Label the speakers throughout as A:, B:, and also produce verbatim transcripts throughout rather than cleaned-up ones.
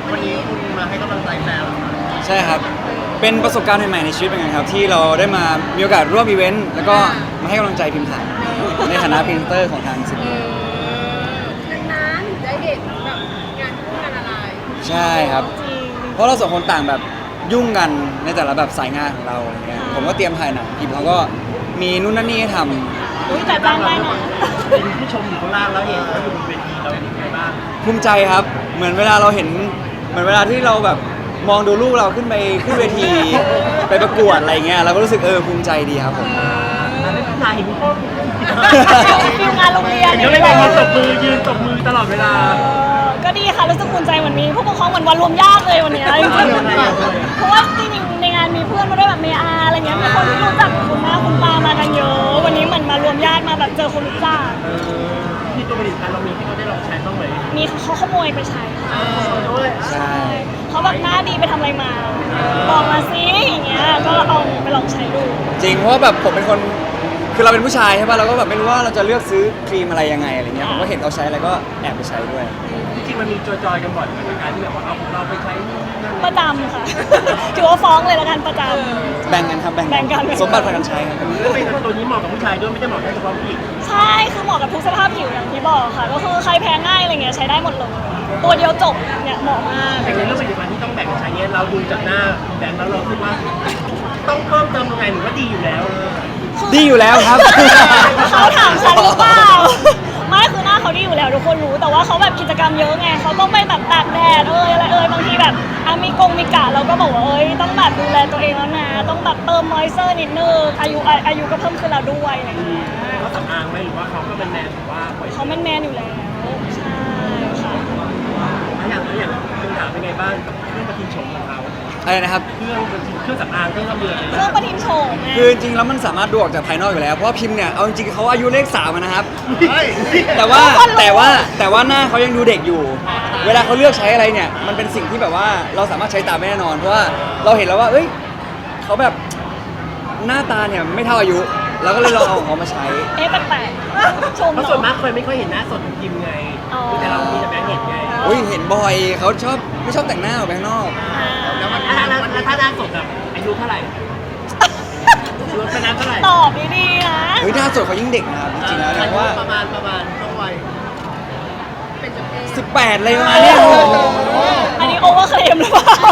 A: วันนี้คุณมาให้กำลังใจแฟนเหรอครับ
B: ใช่ครับเป็นประสบการณ์ใหม่ๆในชีวิตเป็นไงครับที่เราได้มามีโอกาสร่วมอีเวนต์แล้วก็มาให้กำลังใจพิมพ์ถ่ายในฐานะพรีเซนเตอร์ของทางซิน
C: นานๆได้เห็นแบบงานคู่งานอะไร
B: ใช่ครับเพราะเราสองคนต่างแบบยุ่งกันในแต่ละแบบสายงานของเราอะไรเงี้ยผมก็เตรียมถ่ายหนังพิมเขาก็มีนู่นนั่นนี่ให้ทำ
D: อุ้ยแต่จ้างได้นะ
A: เป็นผู้ชมอยู่ข้างล่างแล้วเห็นเขาอยู่บนเวทีเราเป็นยังไงบ้าง
B: ภูมิใจครับเหมือนเวลาเราเห็นเหมือนเวลาที่เราแบบมองดูลูกเราขึ้นไปขึ้นเวที ไปประกวดอะไรเงี้ยเราก็รู้สึกเออภูมิใจดีครับผม
A: อันนี้นายเห็นพ่อ
D: ฟิลงานโรงเรียน
A: เห็นเขาเลยยืนตบมือยืนตบมือตลอดเวลา
D: เออก็ดีค่ะรู้สึกภูมิใจเหมือนมีผู้ปกครองเหมือนวันรวมญาติเลยวันเนี้ยจริงๆเพราะว่าจริงๆในงานมีเพื่อนมาด้วยแบบเมอาอะไรเงี้ยมีคนที่รู้จักคุณแม่คุณตามากันเยอะ วันนี้เหมือนมารวมญาติมาแบบเจอคนรู้จัก
A: ที่ตัวผลิตภัณฑ์เรามีที่เขาได้ลองใช้บ้างไหม
D: มีเขาขโมยไปใช้ค่ะ
A: ด้วย
B: ใช่
D: เขาแบบหน้าดีไปทำอะไรมาบอกมาซิอย่างเงี้ยก็เอาไปลองใช้ดู
B: จริงเพราะว่าแบบผมเป็นคนคือเราเป็นผู้ชายใช่ป่ะเราก็แบบไม่รู้ว่าเราจะเลือกซื้อครีมอะไรยังไงอะไรเงี้ยผมก็เห็นเขาใช้แล้วก็แอบไปใช้ด้วย
A: จริงๆมันมีจอยๆกันบ่อยเหมือนกันการที่แบบว่าเอาเราไปใช้นู่นนี่นั่น
D: ประจำค่ะ ถือว่าฟ้องเลยละกันประจำ
B: แบ่งกันครับแบ่ง
D: แบ่งกัน
B: สมบัติพากันใช้ครับ
A: แล้วเป็นตัวนี้เหมาะกับผู้ชายด้วยไม่ได้เหมาะแค่เฉพาะผู้หญิง
D: ใช่คือเหมาะกับทุกสภาพผิวอย่างที่บอกค่ะ ก็คือใครแพ้ง่ายอะไรเงี้ยใช้ได้หมดเลย ตัวเดียวจบเนี่ยเหมาะมาก
A: แต่ในเรื่องผลิตภัณฑ์ที่ต้องแบ่งกันใช้เนี่ยเราดูจากหน้าแบงค์แล้วเราคิดว่าต้องเพิ่มเติมยังไงหรือว่าดีอยู่แล้ว
B: ดีอยู่แล้วครับ
D: เขาถามฉันหรือเปล่า ไม่คือหน้าเขาดีอยู่แล้วทุกคนรู้แต่ว่าเขาแบบกิจกรรมเยอะไงเขาต้องไปแบบตากแดดเอยอะไรเอยบางทีแบบอ่ะมีกงมีกะเราก็บอกว่าเอ้ยต้องแบบดูแลตัวเองแล้วนะต้องแบบเติมมอยเซอร์นิดนึงอายุอาอายุก็เพิ่มขึ้นแล้วด้วยอะไรอย่างเงี้ย
A: เขาสำอางไหมหรือว่าเขาก็เป็นแมนหรือว่าปล่อย
D: เขาแมนๆอยู่แล้วใช่ค่ะ
A: อย่างอย่างคุณถามเป็นไงบ้างกับเครื่องประทินโฉมของเขา
B: อะไรนะครับ
A: เครื่องประทินเครื่องสำอางเครื่องทำเรือ
D: เครื่องประทินโฉมไง
B: คือจริงๆแล้วมันสามารถดูออกจากภายนอกอยู่แล้วเพราะว่าพิมพ์เนี่ยเอาจริงๆเขาอายุเลขสามอะนะครับ แต่ว่าแต่ว่าแต่ว่าหน้าเขายังดูเด็กอยู่ เวลาเขาเลือกใช้อะไรเนี่ยมันเป็นสิ่งที่แบบว่าเราสามารถใช้ตามได้แน่นอนเพราะว่าเราเห็นแล้วว่าเอ้ยเขาแบบหน้าตาเนี่ยไม่เท่าอายุเราก็เลยลองเอาของเขามาใช้
D: เอ๊ะแปลกๆชม
A: เพราะส่วน
D: เนาะ
A: มากเคยไม่ค่อยเห็นหน้าสดของพิมไง
D: อ๋อ
A: แต่เรามีแต่แบงค์เห็นไง
B: อุ้ยเห็นบ่อยเขาชอบไม่ชอบแต่งหน้าออกไปข้างนอก
D: อ่า
A: แล้วถ้าแล้วถ้าหน้าสดแบบอายุเท่าไหร่รวมเป็นน้ำเท่าไหร่
D: ตอบดีๆนะ
B: เฮ้ยหน้าสดเขายิ่งเด็กนะครับจริงๆแล้วเนี่ยเพราะว่า
A: ประมาณประมาณช่วงวัย
C: เป็นจุดเอง
B: สิบแปดเลยมาเนี่ย
D: โอ้โหอันนี้โอเวอร์เคลมหรือเปล่า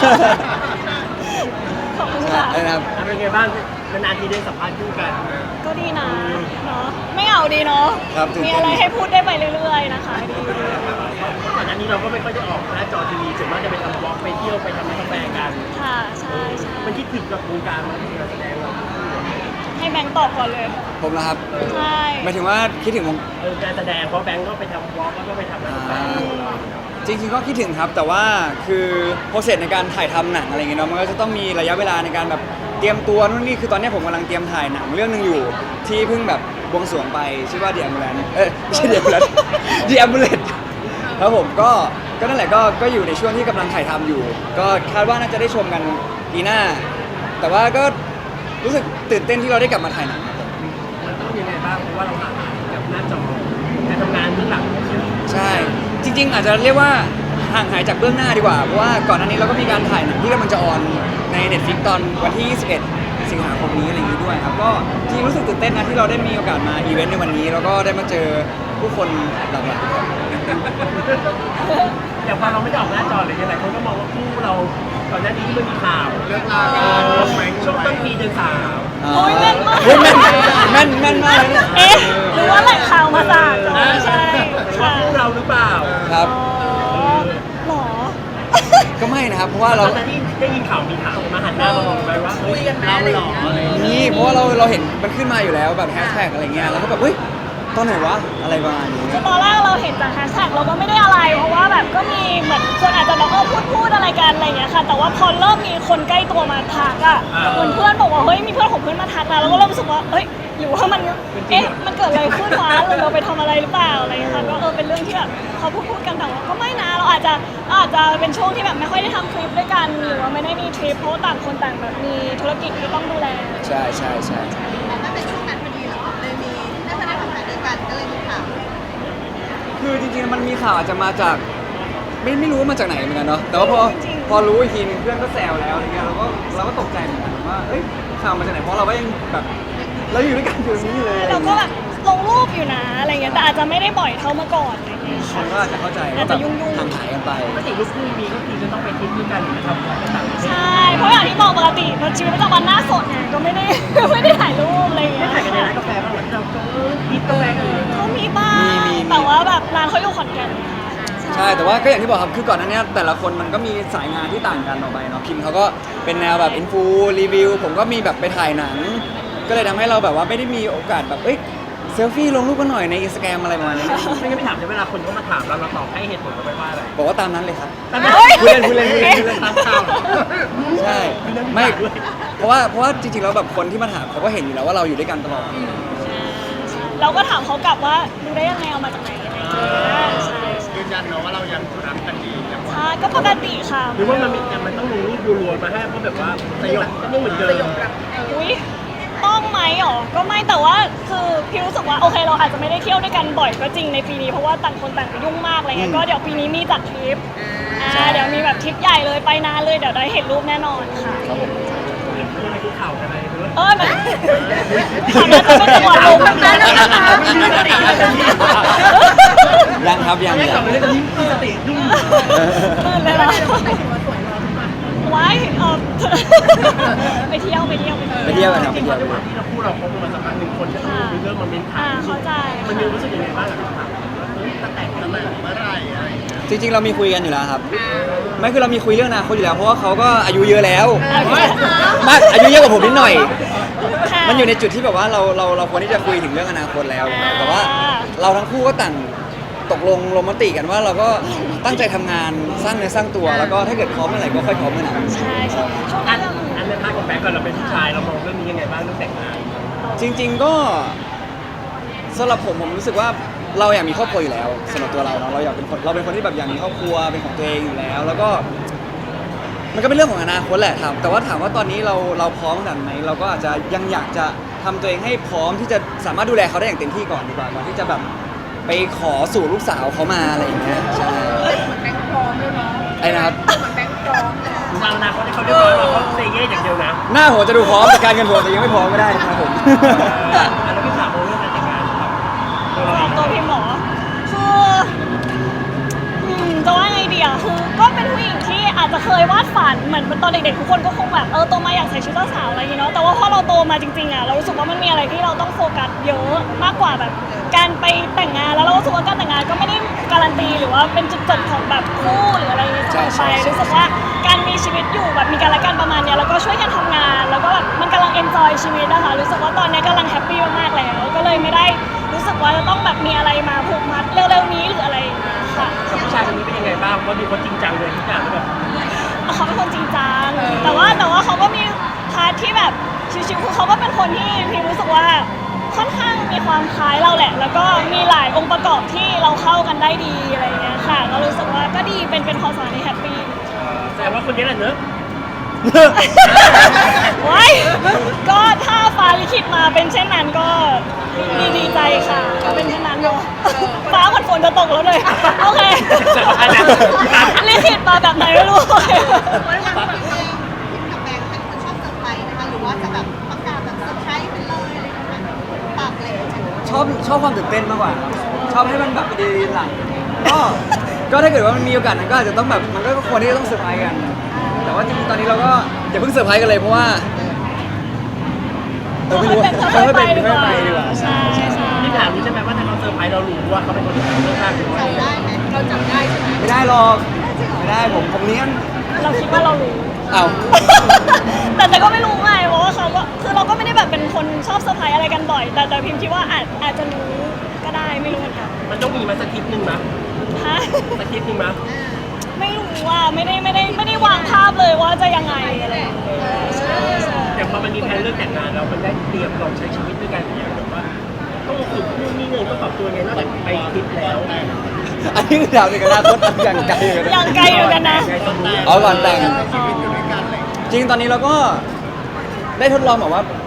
D: ขอบคุณค่ะ
B: อะไรนะครับ
A: เป็นไงบ้างนานๆทีได้สัมภาษณ์คู่กัน
D: ก็ดีนะเนาะไม่เอาดีเนาะ
B: ครับตื่น
D: มี
B: เต้น
D: อะไรให้พูดได้ไปเรื่อยๆนะคะดี
A: ก่อนหน้านี้เราก็ไม่ค่อยได้ออกหน้าจอทีวีส่วนมากจะไปทำบล็อกไปเที่ยวไปทำกาแฟกัน
D: ค่ะใช่ใช่
A: มันคิดถึงกับวงการมันการแสดงเรา
D: ให้แบงค์ตอบก่อนเลย
B: ผมนะครับ
D: ใช่
B: หมายถึงว่าคิดถึงวง
A: เออการแสดงเพราะแบงก์ก็ไปทำบล็อกแล้วก็ไปทำร้านกาแฟ
B: จริงๆก็คิดถึงครับแต่ว่าคือโปรเซสในการถ่ายทำหนังอะไรเงี้ยเนาะมันก็จะต้องมีระยะเวลาในการแบบเตรียมตัวนู่นนี่คือตอนนี้ผมกำลังเตรียมถ่ายหนังเรื่องหนึงอยู่ ที่เพิ่งแบบบวงสรวงไปชื่อว่า The Ambulance เอ้ยไม่ใช่ The Ambulance The Ambulance ครับผมก็ก็นั่นแหละก็ก็อยู่ในช่วงที่กำลังถ่ายทำอยู่ ก็คาดว่าน่าจะได้ชมกันปีหน้า แต่ว่าก็รู้สึกตื่นเต้นที่เราได้กลับมาถ่ายหนัง
A: มันต้องยังไงบ้างเพราะว่าเราห่างหายกับหน้าจอการทำงานเบื้องหลัง
B: ใช่ จริงๆ อาจจะเรียกว่าห่างหายจากเบื้องหน้าดีกว่า เพราะว่าก่อนหน้านี้เราก็มีการถ่ายหนังที่กำลังจะออนใน Netflix ตอนวันที่ ยี่สิบเอ็ด สิงหาคมนี้อะไรอย่างนี้ด้วยครับ ก็จริงรู้สึกตื่นเต้นนะที่เราได้มีโอกาสมาอีเวนต์ในวันนี้ แล้วก็ได้มาเจอผู้คนหลากหลายครับ
A: แต่พอเราไม่ได้ออกหน้าจอเลยหลายคนก็มองว่าคู่เราก่อนหน้านี้ที่มันมีข่าวเรื่องราวช่วงต้นปีเดือนสาม
D: โอ้ยแม่นมาก
B: เฮ้ยแม่นแม่นแม่นมากเลยเนี่ย
D: เอ๊ะหรือว่าแหล่งข่าวมาจากอ๋อใช่ค่ะ
A: คู่เราหรือเปล่า
B: ครับ
D: อ๋อหรอ
B: ก็ไม่นะครับ เพราะว่าเรา
A: ตอนที่ได้ยินข่าวมีข่าวมาหันหน้ามามองไปว่าเฮ้ยเราหล่ออะไรอย่างเงี้ย
B: นี่เพราะว่าเราเราเห็นมันขึ้นมาอยู่แล้วแบบแฮชแท็กอะไรเงี้ย แล้วก็แบบเฮ้ยตอนไหนวะ อะไรประมาณนี้
D: คือตอนแรกเราเห็นจากแฮชแท็กเราก็ไม่ได้อะไร เพราะว่าแบบก็มีเหมือนคนอาจจะแบบเออพูดพูดอะไรกันอะไรอย่างเงี้ยค่ะ แต่ว่าพอเริ่มมีคนใกล้ตัวมาทักอ่ะเหมือนเพื่อนบอกว่าเฮ้ยมีเพื่อนของเพื่อนมาทักนะเราก็เริ่มรู้สึกว่าเฮ้ยหรือว่ามันเอ๊ะมันเกิดอะไรขึ้นวะหรือเราไปทำอะไรหรือเปล่าอะไรอย่างเงี้ยค่ะก็เออเป็นเรื่องที่แบบเขาพูดพูดกันแต่ว่าก็ไม่นะเราอาจจะอาจจะเป็นช่วงที่แบบไม่ค่อยได้ทำคลิปด้วยกันหรือว่าไม่ได้มีทริปเพราะว่าต่างคนต่างแบบมีธุรกิจที่ต้องดูแล
B: ใช่ใช่ใช่
C: แต่ถ้าเป็นช่วงนั้นพอดีเหรอเลยมีได้มาได้ทำงานด้วยกันก็เลยมีข่าว
B: คือจริงๆ มันมีข่าวอาจจะมาจากไม่ไม่รู้ว่ามาจากไหนเหมือนกันเนาะแต่ว่าพอพอรู้อีกทีนึงเพื่อนก็แซวแล้วอะไรเงี้ยเราก็เราก็ตกใจเหมือนกันว่าเอ้ยข่าวมาจากไหนเพราะเราก็ยังแบบเราอยู่ด้วยกันอยู่ตรงนี้อยู่เลย
D: เราก็แบบลงรูปอยู่นะอะไรเงี้ยแต่อาจจะไม่ได้บ่อยเท่าเมื่อก่อนอะไรเงี้ย
B: ค
D: ค่ะ
B: นก็อาจจะเข้าใจ
D: อาจจะยุ่งๆ
B: ห่างหายกันไป
A: ปกติลูกคู่มีก็คือจะต้องไปทริปด้วยกันหรือไปทำอะไรต่างประเทศ
D: ใช่ เพราะอย่างที่บอกปกติชีวิตประจำวันหน้าสดไงก็ไม่ได้ ไม่ได้ถ่ายรูปอะไรอย่าง
A: ไม่
D: เงี้ย
A: ถ่ายกันในร้านกาแฟบ้างเหรอที่เราก็เออดิบกาแฟกันเลย
D: เขามีบ้าง
B: มีมีมี
D: แต่ว่าแบบร้านเขาอยู่ขอนแก่นไงคะ
B: ใช่แต่ว่าก็อย่างที่บอกครับคือก่อนหน้านี้แต่ละคนมันก็มีสายงานที่ต่างกันออกไปเนาะพิมเขาก็เป็นแนวแบบอินฟูรีวิวผมก็มีแบบไปถ่ายหนัง ก็เลยทำให้เราแบบว่าไม่ได้มีโอกาสแบบเอ้ยเซลฟี่ลงรูปกันหน่อยในอินสตาแกรมอะไรประมาณนี้
A: ไม่งั้นไม่ถามในเวลาคนเขามาถามเราเราตอบให้เหตุผลเขาไปว่าอะไร
B: บอกว่าตามนั้นเลยครับ
A: ตามนั้น
B: พูดเล่นพูดเล่นพูดเล่นพูดเล่น
A: ตามข่าว
B: ใช่ไม่เพราะว่าเพราะว่าจริงๆแล้วแบบคนที่มาถามเขาก็เห็นอยู่แล้วว่าเราอยู่ด้วยกันตลอด
D: เราก็ถามเขากลับว่าดูได้ยังไงเอามาจากไหนอะไรอย่างเงี้ยใช่ใช่
A: ยืนยันเนาะว่าเรายังรักกันดียัง
D: ใช่ก็ปกติค่ะ
A: หรือว่ามันมีมันต้องลงรูปรัวๆมาให้เพราะแบบว่าสยบก็ยังเหมือนเดิม
D: อุ้ยต้องไหมหรอก็ไม่แต่ว่าคือพี่รู้สึกว่าโอเคเราอาจจะไม่ได้เที่ยวด้วยกันบ่อยก็จริงในปีนี้เพราะว่าต่างคนต่างก็ยุ่งมากอะไรเงี้ยก็เดี๋ยวปีนี้มีจัดทริปอ่าเดี๋ยวมีแบบทริปใหญ่เลยไปนานเลยเดี๋ยวได้เห็นรูปแน่นอนค่ะ
B: ครับผม
A: อะไรคือข่าวอะไรหรือว่า
D: เออมันถามว่าจะเป็นจังหวัดลมนะ
B: ยังครับยัง
A: ไม่
B: ยั
A: กลับ
B: ง
A: ไปเล่นตอนนี้มีสติยุ่ง
D: ตื่นเลยเหรอไว้เออไปเที่ยวไปเที่ยว
B: ไปเที่ยวกันครับ
A: จ
B: ไป
A: ริงๆ
B: เที่ยว
A: ด้วยความที่เราพูดเราคบกันมาสักพักหนึ่งคนก็ต้องมีเรื่องมาเม้นถา
D: อ่าม เข้าใจ
A: มันมีรู้สึกยังไงบ้างกับคำถามว่าเฮ้ยจะแต่งกันเมื่อไหร่อะไรอย่างเงี้ย
B: จริงๆเรามีคุยกันอยู่แล้วครับ ไม่คือเรามีคุยเรื่องอนาคตอยู่แล้วเพราะว่าเขาก็อายุเยอะแล้วมากอายุเยอะกว่าผมนิดหน่อย มันอยู่ในจุดที่แบบว่าเราเราเราควรที่จะคุยถึงเรื่องอนาคตแล้ว แต่ว่าเราทั้งคู่ก็ต่างตกลงลงมติกันว่าเราก็ตั้งใจทำงานสร้างเนื้อสร้างตัว แล้วก็ถ้าเกิดพร้อมเมื่อไหร่ก็ค่อยพร้อมเมื่อนั้น
D: ใช่ใช่ช่วง
A: อั
D: นั้น
A: นอันในพาร์ทของแบงก์ก่อนเราเป็นผู้ชายเรามองเรื่องนี้ยังไงบ้างเรื่องแต่งงาน
B: จริง ๆก็สำหรับผมผมรู้สึกว่าเราอยากมีครอบครัวอยู่แล้วสำหรับตัวเราเนาะเราอยากเป็นคนเราเป็นคนที่แบบอยากมีครอบครัวเป็นของตัวเองอยู่แล้ว แล้วก็ มันก็เป็นเรื่องของอนาคตแหละถามแต่ว่าถามว่าตอนนี้เราเราพร้อมขนาดไหนเราก็อาจจะยังอยากจะทำตัวเองให้พร้อมที่จะสามารถดูแลเขาได้อย่างเต็มที่ก่อนดีกว่าก่อนที่จะแบบไปขอสู่ลูกสาวเขามาอะไรอย่างเงี้ยใช่
C: แบงค์พร้อมด้วยเนาะ
B: ไอ้นะครับ
C: เหมือนแบงค์พร้อมเลย
A: เราอนาคตที่เขาเรียบร้อยเราเขาเซเย่อย่างเดียวนะ
B: หน้าหัวจะดูพร้อมแต่การเงินหัวจะยังไม่พร้อมก็ได้นะครับผม
A: อันนี้พี่ถามเรื่องการแต่งงานครับตัวเราเอง
D: ตัวพิมพ์หมอคืออืมจะว่าไงดีอ่ะคือก็เป็นผู้หญิงที่อาจจะเคยวาดฝันเหมือนตอนเด็กๆทุกคนก็คงแบบเออโตมาอยากใส่ชุดเจ้าสาวอะไรอย่างเงี้ยเนาะแต่ว่าพอเราโตมาจริงๆอ่ะเรารู้สึกว่ามันมีอะไรที่เราต้องโฟกัสเยอะมากกว่าแบบการไปแต่งงานแล้วเรารู้สึกว่าการแต่งงานก็ไม่ได้การันตีหรือว่าเป็นจุดจบของแบบคู่หรืออะไรอย่างเงี้ยเสมอไปรู้สึกว่าการมีชีวิตอยู่แบบมีกันและกันประมาณเนี้ยแล้วก็ช่วยกันทำงาน แล้วก็แบบมันกำลังเอนจอยชีวิตนะคะรู้สึกว่าตอนเนี้ยกำลังแฮปปี้มากๆแล้วก็เลยไม่ได้รู้สึกว่าจะต้องแบบมีอะไรมาผูกมัดเร็วๆนี้หรืออะไรอย่างเงี้ยค่ะ
A: กับผู้ชายคนนี้เป็นยังไงบ้างเพราะดูเขาจริงจังเลยทุกอย่างแบบ
D: เขาเป็นคนจริงจังแต่ว่าแต่ว่าเขาก็มีพาร์ทที่แบบชิวๆคือเขาก็เป็นคนที่พิมรู้สึกว่าค่อนข้างมีความคล้ายเราแหละ แล้วก็มีหลายองค์ประกอบที่เราเข้ากันได้ดีอะไรอย่างเงี้ยค่ะก็รู้สึกว่าก็ดีเป็นเป็นความสัมพันธ์ที่แฮปปี้
A: แสดงว่าคนนี้แหละเนอะ
D: ว้ายก็ถ้าฟ้าลิขิตมาเป็นเช่นนั้นก็ดีดีใจค่ะก็เป็นเช่นนั้นเนาะฟ้าเหมือนฝนจะตกแล้วเลยโอเคลิขิตมาแบบไหนไม่รู้
C: วันหลังแบบเองพิมกับแบงค์เป็นคนชอบเซอร์ไพรส์นะคะหรือว่าจะแบบประกาศแบบเซอร์ไพรส์ไปเลยอะไรอย่างเงี้ยปากเลย
B: ชอบชอบความตื่นเต้นมากกว่าครับชอบให้มันแบบดีหลังก็ก็ถ้าเกิดว่ามันมีโอกาสนั้นก็อาจจะต้องแบบมันก็ควรที่จะต้องเซอร์ไพรส์กัน แต่ว่าจริงๆตอนนี้เราก็อย่าเพิ่งเซอร์ไพรส์กันเลยเพราะว่าเออไม่รู้ว่า
D: ค่อยๆ
B: ค่อยๆ
D: ไป
B: เป็น
D: ดี
B: ค่
D: ก
B: อยๆ
D: ว่า
B: ไปดีกว่า
D: ใช่ใช่
A: ที่ถามนี่ใช่ไหมว่าถ้าเขาเซอร์ไพรส์เรารู้ว่าเขาเป็นคนที่เลือกข้างหรือว่า
C: จำได้ไหมเราจำได้ใช่ไหม
B: ไม่ได้หรอกไม่ได้ผมผมเลี้ยง
D: เราคิดว่าเรารู้
B: เอ้า
D: แต่แต่ก็ไม่รู้ไงเพราะว่าเขาก็คือเราก็ไม่ได้แบบเป็นคนชอบเซอร์ไพรส์อะไรกันบ่อย แต่แต่พิมคิดว่าอาจอาจจะรู้ก็ได้ไม่รู้เหมือนกัน
A: มันต้องมีมาสักคลิปหนึ่งนะ
D: ฮะ
A: สักคลิปหนึ่งนะ
D: ไม่รู้ว่าไม่ได้ไม่ได้ไม่ได้วางภาพเลยว่าจะยังไงอะไรอย่างเงี้ยใช่ใช่
A: อย่างพอมันมีแผนเรื่องแต่งงานแล้วมันได้เตรียมลองใช้ชีวิตด้วยกันอย่างแบบว่าต้องฝึกนู่นนี่นี่ต้องปรับตัวไงนอกจากไปทริปแล้ว
B: อันนี้คือดาวในอนาคตอย่างไกลอยู่นะ
D: ยังไกลอยู่กันนะ
A: ไงตอนนี้
B: เอาก่อนแต่ง
A: ชีวิตอยู่ด้วยกันเลย
B: จริงตอนนี้เราก็ได้ทดลองแบบว่า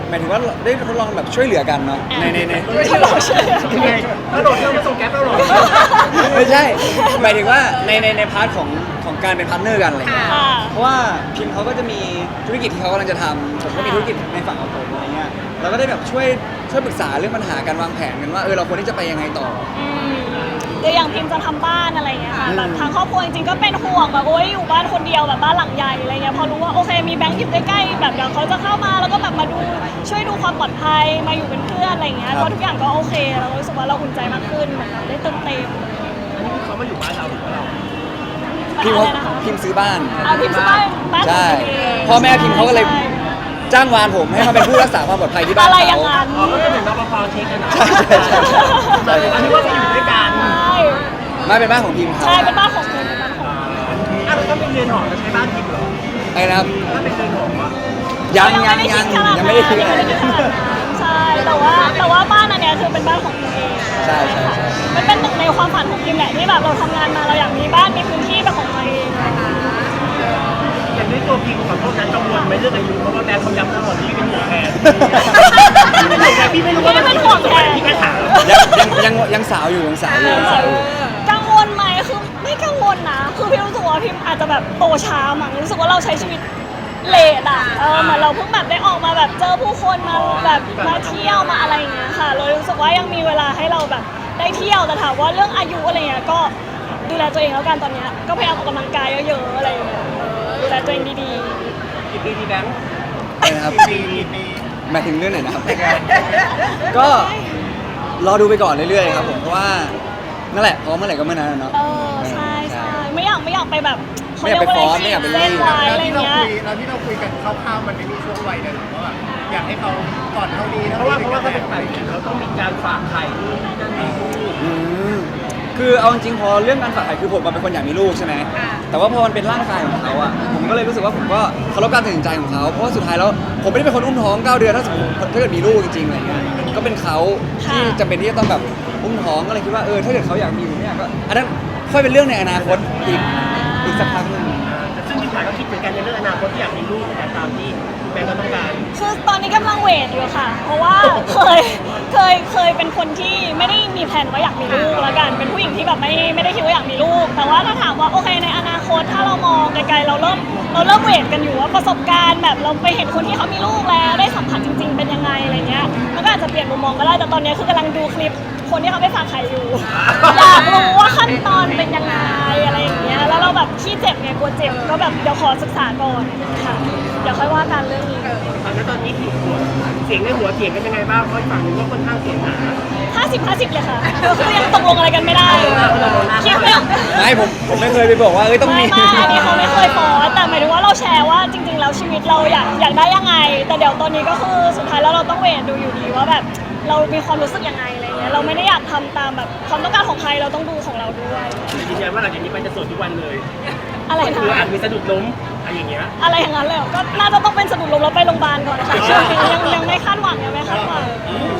B: หมายถึงว่าได้ทดลองแบบช่วยเหลือกันเนาะในในใน
D: ทดลองช่วยเหลือ
A: ยังไงถ้าโดดเครื่องมาส่งแก๊ปแล้วหรอ
B: ไม่ใช่หมายถึงว่าในในในพาร์ทของของการเป็นพาร์ทเนอร์กันอะไรเงี้ย
D: ค่ะ
B: เพราะว่าพิมเขาก็จะมีธุรกิจที่เขากำลังจะทำผมก็มีธุรกิจในฝั่งของผมอะไรเงี้ยเราก็ได้แบบช่วยช่วยปรึกษาเรื่องปัญหาการวางแผนกันว่าเออเราควรที่จะไปยังไงต่อ
D: อืมแต่อย่างพิมจะทำบ้านอะไรอย่างเงี้ยค่ะ
B: อืม
D: แบบทางครอบครัวจริงๆก็เป็นห่วงแบบโอ๊ยอยู่บ้านคนเดียวแบบบ้านหลังใหญ่อะไรเงี้ยพอรู้ว่าโอเคมีแบงค์อยู่ใกล้ๆแบบเดี๋ยวเขาจะเข้ามาแล้วก็แบบมาดูช่วยดูความปลอดภัยมาอยู่เป็นเพื่อนอะไรเงี้ยก็ทุกอย่างก็โอเคเราก็รู้สึกว่าเราอุ่นใจมากขึ้นเหมือนเราได้เติมเต็ม
A: อันนี้เขามาอยู่บ้านเราหรือว่าเรา
B: พิม
D: อะ
B: เขา
D: ไรนะคะ
B: พิมซื้อบ้าน
D: อ่ะพิมซื้อบ้านบ้านขอ
B: ใช่
D: งตัวเอง
B: พ่อแม่พิมเขาก็เลย
D: ใช่
B: จ้างวานผมให้มาเป็นผู้รักษาความปลอดภัยที่บ้าน
D: อะไรอ
B: เขา
D: ย่างนั้น
A: อ๋อก็เป็นเหมือนรปภเช็คกันนะ
B: ใช่ใช่ใช่ใช่
A: อันนี้ว่าไปอยู่ด้วยกัน
D: ใช่
B: มาเป็นบ้านของพิมเขา
D: ใช่เป็นบ้านของพิมเป็นบ้านของพิม
A: อ่ะแล้วก็เป็นเรือนหอจะใช้บ้านกินเหรอ
B: ไอ้นะครับ
A: ถ้าเป็นเรือนหออ่ะ
B: ยังยังยังยังไม่ได้คิด
D: ยั
B: อะ
D: ง
B: ไร
D: ไม่ได้คิดขนาดนั้นใช่แต่ว่าแต่ว่าบ้านอันเนี้ยคือเป็นบ้านของพิมเอง
B: ใช่ใช่ใช่
D: มันเป็นหนึ่งในความฝันของพิมแหละที่แบบเราทำงานมาเราอยากมีบ้านมีพื้นที่เป็นของตัวเอง
A: อย่างด้วยตัวพิมขอโทษนะกังวลไหมเรื่องอายุเพราะว่าแบงค์เขาย้ำตลอดที่เป็นห่วงแทนเป็นห่วงแทนพี่ไม่รู้ว่ามันเป็นห่วงแทนพี่แค่ถาม
B: ยังยังยังยังสาวอยู่ยังสาวอยู่ยังสาวอยู่
D: กังวลไหมคือไม่กังวลนะคือพิมรู้สึกว่าพิมอาจจะแบบโตช้ามั้งรู้สึกว่าเราใช้ชีวิตเลทอ่ะเออเหมือนเราเพิ่งแบบได้ออกมาแบบเจอผู้คนมาแบบมาเที่ยวมาอะไรอย่างเงี้ยค่ะเรารู้สึกว่ายังมีเวลาให้เราแบบได้เที่ยวแต่ถามว่าเรื่องอายุอะไรเงี้ยก็ดูแลตัวเองแล้วกันตอนเนี้ยก็พยายามออกกำลังกายเยอะๆอะไรอย่างเงี้ยดูแลตัวเองดี
A: กี่ปีที่แบงค์
B: นะครับ
A: ปีปี
B: หมายถึงเรื่องไหนนะครับ ก็รอดูไปก่อนเรื่อยๆครับผมเพราะว่านั่นแหละพร้อมเมื่อไหร่ก็เมื่อนั้นอะเนาะ
D: ๆเออใช่ใช่ไม่อยากไม่อยากไปแบบ
B: ไม่อยากไปฟ้อนไม่อยากไปรีบ
D: เส้นไว้อะไรเงี้ย
E: แล้วที่เราคุยกันคร่าวๆมันไม่มีช่วงวัยเลยหรอว่าอยากให้เขาก่อนเท่านี้
A: เพราะว่าเพราะว่าถ้าเป็นฝ่ายหญิงเขาต้องมีการฝากไข่นู่นนี่นั่นนี่นู่น
B: อืมคือเอาจริงๆพอเรื่องการฝากไข่คือผมมาเป็นคนอยากมีลูกใช่ไหมแต่ว่าพอมันเป็นร่างกายของเขาอ่ะผมก็เลยรู้สึกว่าผมก็เคารพการตัดสินใจของเขาเพราะว่าสุดท้ายแล้วผมไม่ได้เป็นคนอุ้มท้องเก้าเดือนถ้าสมมติถ้าเกิดมีลูกจริงๆอะไรเงี้ยก็เป็นเขาที่จำเป็นที่จะต้องแบบอุ้มท้องก็เลยคิดว่าเออถ้าเกิดเขาอยากมีหรือไม่อยากก็อันนั้นค่อยเป็นเรื่องในอนาคตอีกอีกสักพักหนึ่ง
A: ซึ่งพี่ขวัญก็คิดเหมือนกันในเรื่องอนาคตที่อยากมีลูกแต่ตามที่แบงค์ก็ต้องการ
D: คือตอนนี้กำลังเวทอยู่ค่ะ เพราะว่าเคยเคยเคยเป็นคนที่ไม่ได้มีแผนว่าอยากมีลูกแล้วกันเป็นผู้หญิงที่แบบไม่ไม่ได้คิดว่าอยากมีลูก แต่ว่าถ้าถามว่าโอเคในอนาคตถ้าเรามองไกลๆเราเริ่มเราเริ่มเวทกันอยู่ว่าประสบการณ์แบบเราไปเห็นคนที่เขามีลูกแล้วได้สัมผัสจริง ๆ เป็นยังไงอะไรเงี้ยมันก็อาจจะเปลี่ยนมุมมองก็ได้แต่ตอนนี้คือกำลังดูคลิปคนที่เขาไปฝากไข่อยู่ อยากรู้ว่าขั้นตอนเป็นยังไงอะไรอย่างเงี้ยแล้วเราแบบขี้เจ็บไงกลัวเจ็บก็แบบเดี๋ยวขอศึกษาก่อนค่ะเดี๋ยวค่อยว่ากันเรื่องนี้
A: ตอนนั้นตอนนี้ผิดหัวเสียงในหัวเถียงกันยังไงบ้างเพราะอีกฝั่งหนึงก็ค่อนข้างเสียงหนา
D: ห้าสิบห้าสิบเลยค่ะก็คือยังตกลงอะไรกันไม่ได้คิดไม่ออก
B: ไม่ผมผมไม่เคยไปบอกว่าเอ้ยต้อง
D: ไม่
B: มี
D: ไม่อันนี้เขาไม่เคยฟอสแต่หมายถึงว่าเราแชร์ว่าจริง ๆ แล้วชีวิตเราอยากอยากได้ยังไง แต่เดี๋ยวตอนนี้ก็คือสุดท้ายแล้วเราต้องเวทดูอยู่ดีว่าแบบเรามีความรู้สึกยังไงอะไรเงี้ยเราไม่ได้อยากทำตามแบบความต้องการของใครเราต้องดูของเราด้วย
A: ยืนยันว่าหลังจากนี้ไปจะสวดทุกวันเลย
D: อะไร
A: คืออาจ
D: นะ
A: มีสะดุดล้มอะไรอย่างเงี้ย
D: อะไรอย่างนั้นเลยเหรอก็น่าจะต้องเป็นสะดุดล้มแล้วไปโรงพยาบาลก่อนนะคะช่วงนี้ยังยังไม่คาดหวังยังไม่คาดหวัง
A: อืม